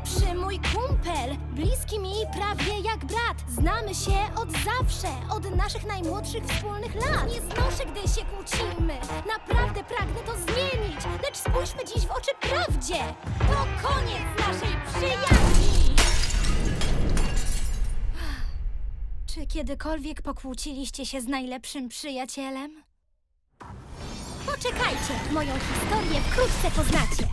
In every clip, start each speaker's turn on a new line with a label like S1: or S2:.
S1: najlepszy mój kumpel, bliski mi prawie jak brat. Znamy się od zawsze, od naszych najmłodszych wspólnych lat. Nie znoszę, gdy się kłócimy, naprawdę pragnę to zmienić. Lecz spójrzmy dziś w oczy prawdzie, to koniec naszej przyjaźni. Czy kiedykolwiek pokłóciliście się z najlepszym przyjacielem? Poczekajcie, moją historię wkrótce poznacie.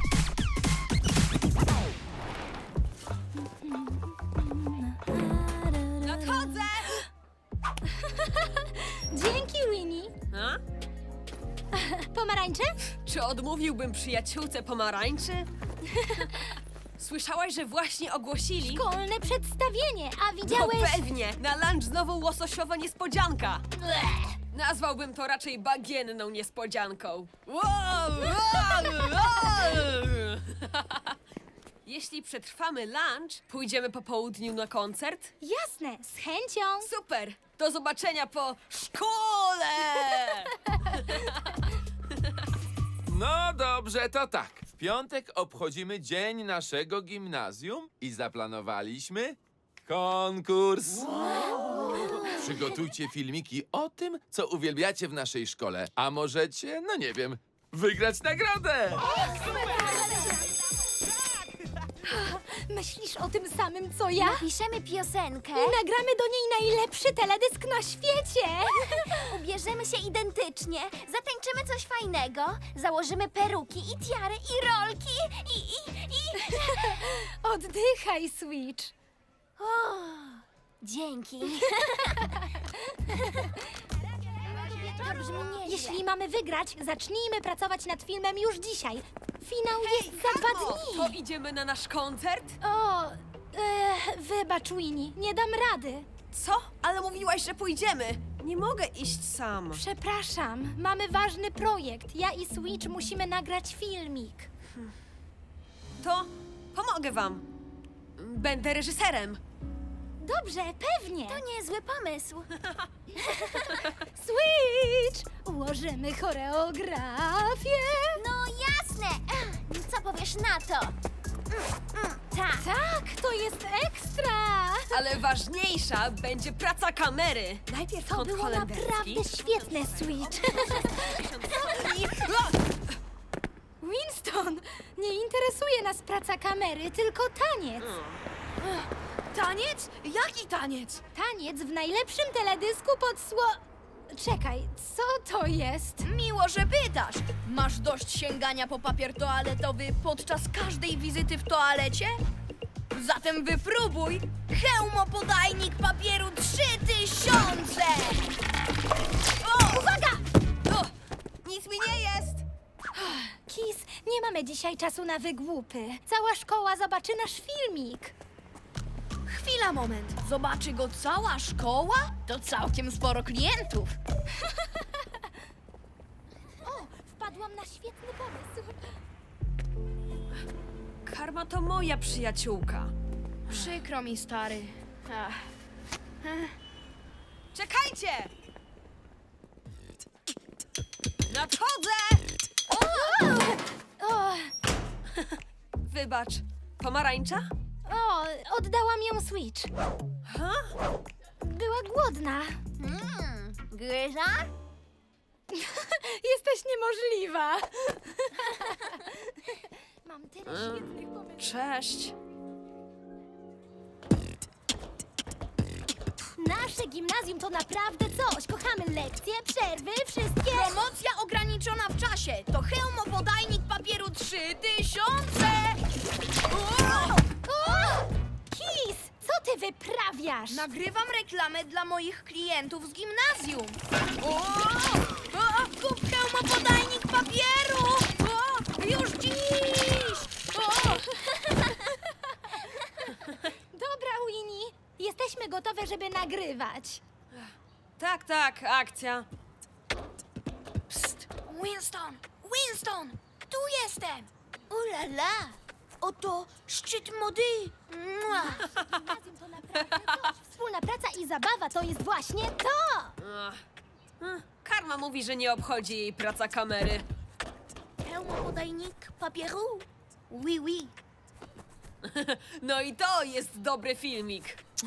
S2: Nadchodzę!
S1: Dzięki, Winnie.
S2: A?
S1: Pomarańcze?
S2: Czy odmówiłbym przyjaciółce pomarańczy? Słyszałaś, że właśnie ogłosili?
S1: Szkolne przedstawienie, a
S2: No
S1: widziałeś...
S2: pewnie! Na lunch znowu łososiowa niespodzianka!
S1: Bleh.
S2: Nazwałbym to raczej bagienną niespodzianką. Wow, wow, wow. Jeśli przetrwamy lunch, pójdziemy po południu na koncert?
S1: Jasne, z chęcią.
S2: Super! Do zobaczenia po szkole!
S3: No dobrze, to tak. W piątek obchodzimy dzień naszego gimnazjum i zaplanowaliśmy konkurs. Przygotujcie filmiki o tym, co uwielbiacie w naszej szkole. A możecie, no nie wiem, wygrać nagrodę.
S1: Myślisz o tym samym, co ja?
S4: Piszemy piosenkę,
S1: I nagramy do niej najlepszy teledysk na świecie.
S4: ubierzemy się identycznie, zatańczymy coś fajnego, założymy peruki i tiary i rolki i...
S1: Oddychaj, Switch.
S4: O, dzięki. To brzmi nieźle.
S1: Jeśli mamy wygrać, zacznijmy pracować nad filmem już dzisiaj. Finał jest za 2
S2: O,
S1: dni.
S2: to idziemy na nasz koncert?
S1: O, wybacz, Winnie, nie dam rady.
S2: Co? Ale mówiłaś, że pójdziemy. Nie mogę iść sam.
S1: Przepraszam, mamy ważny projekt. Ja i Switch musimy nagrać filmik.
S2: To pomogę wam. Będę reżyserem.
S1: Dobrze, pewnie.
S4: To niezły pomysł.
S1: Switch! Ułożymy choreografię.
S4: No jasne. Co powiesz na to? Tak.
S1: Tak, to jest ekstra.
S2: Ale ważniejsza będzie praca kamery. Najpierw
S1: To
S2: kąt
S1: było
S2: holenderski.
S1: naprawdę świetne, Switch. Winston, nie interesuje nas praca kamery, tylko taniec.
S5: Taniec? Jaki taniec?
S1: Taniec w najlepszym teledysku pod Czekaj, co to jest?
S5: Miło, że pytasz. Masz dość sięgania po papier toaletowy podczas każdej wizyty w toalecie? Zatem wypróbuj hełmopodajnik papieru 3000! O!
S1: Uwaga!
S2: O, nic mi nie jest.
S1: Kis, nie mamy dzisiaj czasu na wygłupy. Cała szkoła zobaczy nasz filmik.
S5: Chwila, moment. Zobaczy go cała szkoła? To całkiem sporo klientów.
S1: O, wpadłam na świetny pomysł.
S2: Karma to moja przyjaciółka.
S5: Przykro mi, stary. Ach.
S2: Czekajcie! Nadchodzę!
S1: O,
S2: Wybacz, pomarańcza?
S1: oddałam ją Switch.
S2: Ha?
S1: Była głodna.
S4: Gryza?
S1: Jesteś niemożliwa. Mam tyle świetnych pomysłów.
S2: Cześć.
S1: Nasze gimnazjum to naprawdę coś. Kochamy lekcje, przerwy, wszystkie.
S5: Promocja ograniczona w czasie. To hełmopodajnik papieru 3000!
S1: Kis, co ty wyprawiasz?
S5: Nagrywam reklamę dla moich klientów z gimnazjum. Kup hełmopodajnik papieru! Już dziś!
S1: Dobra, Winnie. Jesteśmy gotowe, żeby nagrywać.
S2: Tak, tak, akcja.
S5: Psst! Winston! Winston! Tu jestem!
S4: Ulala! Oto szczyt mody! Mua.
S1: Gimnazjum to naprawdę coś. Wspólna praca i zabawa to jest właśnie to.
S2: Ach. Karma mówi, że nie obchodzi jej praca kamery.
S4: Hełmopodajnik papieru? Oui, oui.
S2: No i to jest dobry filmik.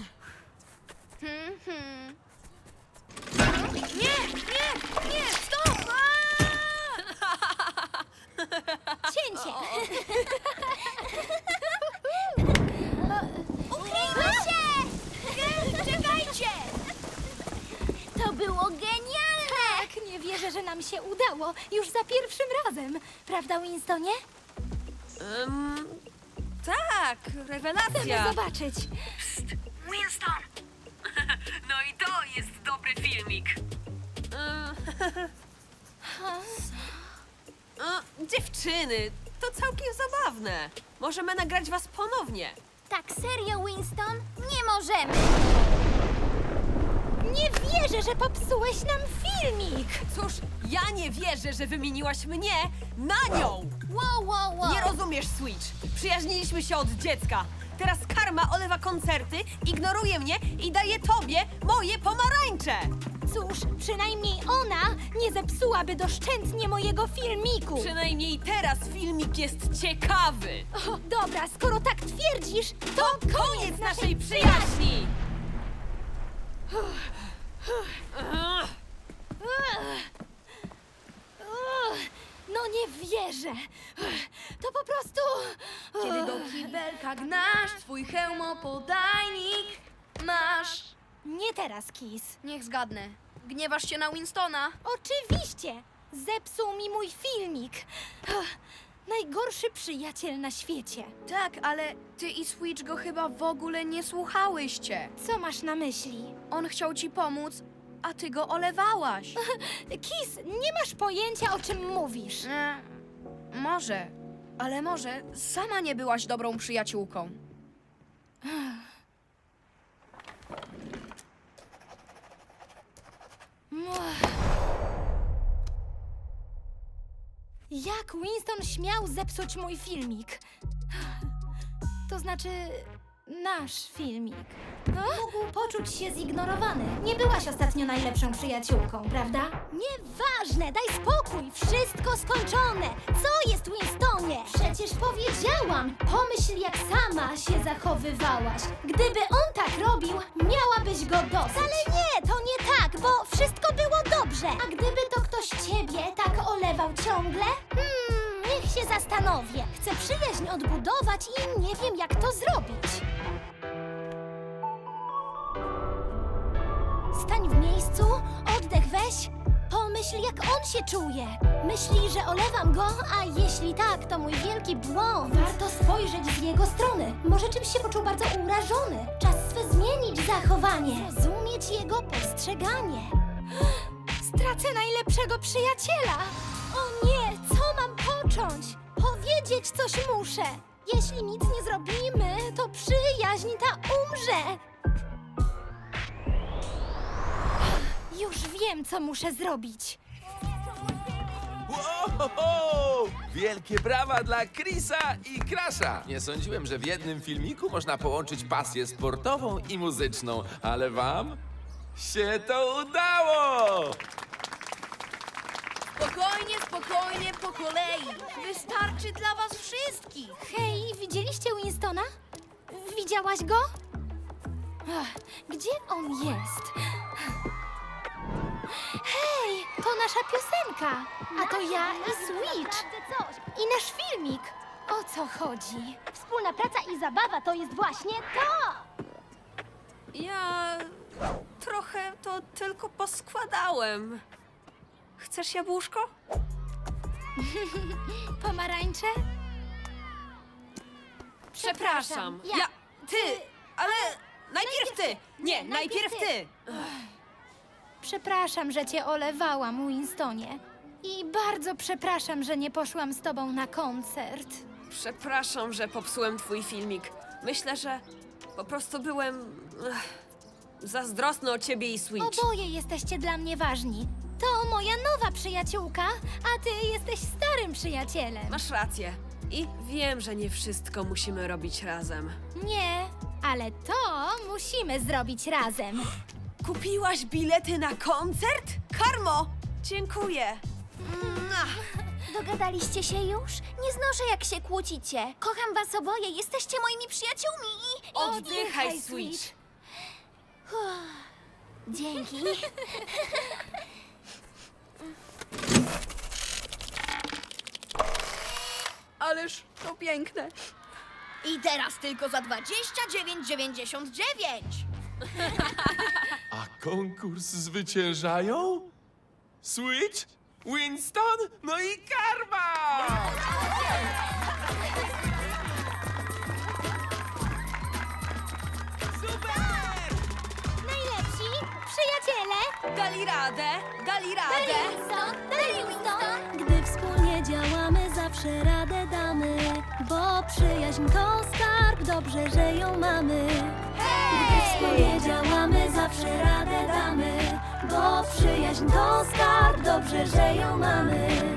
S5: Nie, stop!
S1: Cięcie!
S4: Ukryjmy się!
S5: Czekajcie!
S4: To było genialne!
S1: Tak, nie wierzę, że nam się udało. Już za pierwszym razem. Prawda, Winstonie?
S2: Tak,
S1: Chcemy
S2: rewelacja.
S1: zobaczyć.
S5: Winston!
S2: No i to jest dobry filmik. Dziewczyny, to całkiem zabawne. Możemy nagrać was ponownie.
S4: Tak serio, Winston? Nie możemy!
S1: Nie wierzę, że popsułeś nam filmik.
S2: Cóż, ja nie wierzę, że wymieniłaś mnie na nią.
S4: Wow!
S2: Nie rozumiesz, Switch. Przyjaźniliśmy się od dziecka. Teraz Karma olewa koncerty, ignoruje mnie i daje tobie moje pomarańcze.
S1: Cóż, przynajmniej ona nie zepsułaby doszczętnie mojego filmiku.
S2: Przynajmniej teraz filmik jest ciekawy.
S1: O, dobra, skoro tak twierdzisz, to
S2: Koniec naszej przyjaźni!
S1: No nie wierzę. To po prostu...
S5: Kiedy do kibelka gnasz swój hełmopodajnik masz.
S1: Nie teraz, Kiss.
S5: Niech zgadnę. Gniewasz się na Winstona?
S1: Oczywiście. Zepsuł mi mój filmik. Najgorszy przyjaciel na świecie.
S5: Tak, ale ty i Switch go chyba w ogóle nie słuchałyście.
S1: Co masz na myśli?
S5: On chciał ci pomóc, a ty go olewałaś.
S1: Kiss, nie masz pojęcia, o czym mówisz.
S5: Może, ale może sama nie byłaś dobrą przyjaciółką.
S1: Jak Winston śmiał zepsuć mój filmik? To znaczy, nasz filmik. Mógł poczuć się zignorowany. Nie byłaś ostatnio najlepszą przyjaciółką, prawda? Nieważne, daj spokój, wszystko skończone. Co jest, Winstonie? Przecież powiedziałam, pomyśl, jak sama się zachowywałaś. Gdyby on tak robił, miałabyś go dosyć. Wcale nie, to nie tak, bo wszystko było dobrze. A gdyby to ktoś ciebie tak olewał ciągle? Niech się zastanowię. Chcę przyjaźń odbudować i nie wiem, jak to zrobić. Stań w miejscu, oddech weź. Pomyśl, jak on się czuje. Myśli, że olewam go, a jeśli tak, to mój wielki błąd. Warto spojrzeć z jego strony. Może czymś się poczuł bardzo urażony. Czas swe zmienić zachowanie. Zrozumieć jego postrzeganie. Stracę najlepszego przyjaciela. O nie, co mam począć? Powiedzieć coś muszę. Jeśli nic nie zrobimy, to przyjaźń ta umrze. Już wiem, co muszę zrobić.
S3: Wow! Wielkie brawa dla Chrisa i Crasha! Nie sądziłem, że w jednym filmiku można połączyć pasję sportową i muzyczną, ale wam się to udało!
S5: Spokojnie, po kolei. Wystarczy dla was wszystkich.
S1: Hej, widzieliście Winstona? Widziałaś go? Gdzie on jest? Hej, to nasza piosenka. A to ja i Switch. I nasz filmik. O co chodzi? Wspólna praca i zabawa to jest właśnie to!
S2: Ja trochę to tylko poskładałem. Chcesz jabłuszko?
S1: Pomarańcze?
S2: Przepraszam.
S1: Ja.
S2: Ty, ale najpierw ty. Nie, najpierw ty.
S1: Przepraszam, że cię olewałam, Winstonie. I bardzo przepraszam, że nie poszłam z tobą na koncert.
S2: Przepraszam, że popsułem twój filmik. Myślę, że po prostu byłem zazdrosny o ciebie i Switch.
S1: Oboje jesteście dla mnie ważni. To moja nowa przyjaciółka, a ty jesteś starym przyjacielem.
S2: Masz rację. I wiem, że nie wszystko musimy robić razem.
S1: Nie, ale to musimy zrobić razem.
S2: Kupiłaś bilety na koncert? Karmo! Dziękuję.
S4: Dogadaliście się już? Nie znoszę, jak się kłócicie. Kocham was oboje, jesteście moimi przyjaciółmi i...
S2: Oddychaj, Switch.
S4: Dzięki.
S5: Ależ to piękne. I teraz tylko za 29,99.
S3: A konkurs zwyciężają? Switch, Winston, no i Karma!
S1: Najlepsi przyjaciele!
S2: Dali radę, dali radę.
S4: Winston!
S1: Gdy wspólnie działamy, zawsze radę damy. Bo przyjaźń to skarb, dobrze, że ją mamy. Gdy wspólnie działamy, zawsze radę damy. Bo przyjaźń to skarb, dobrze, że ją mamy.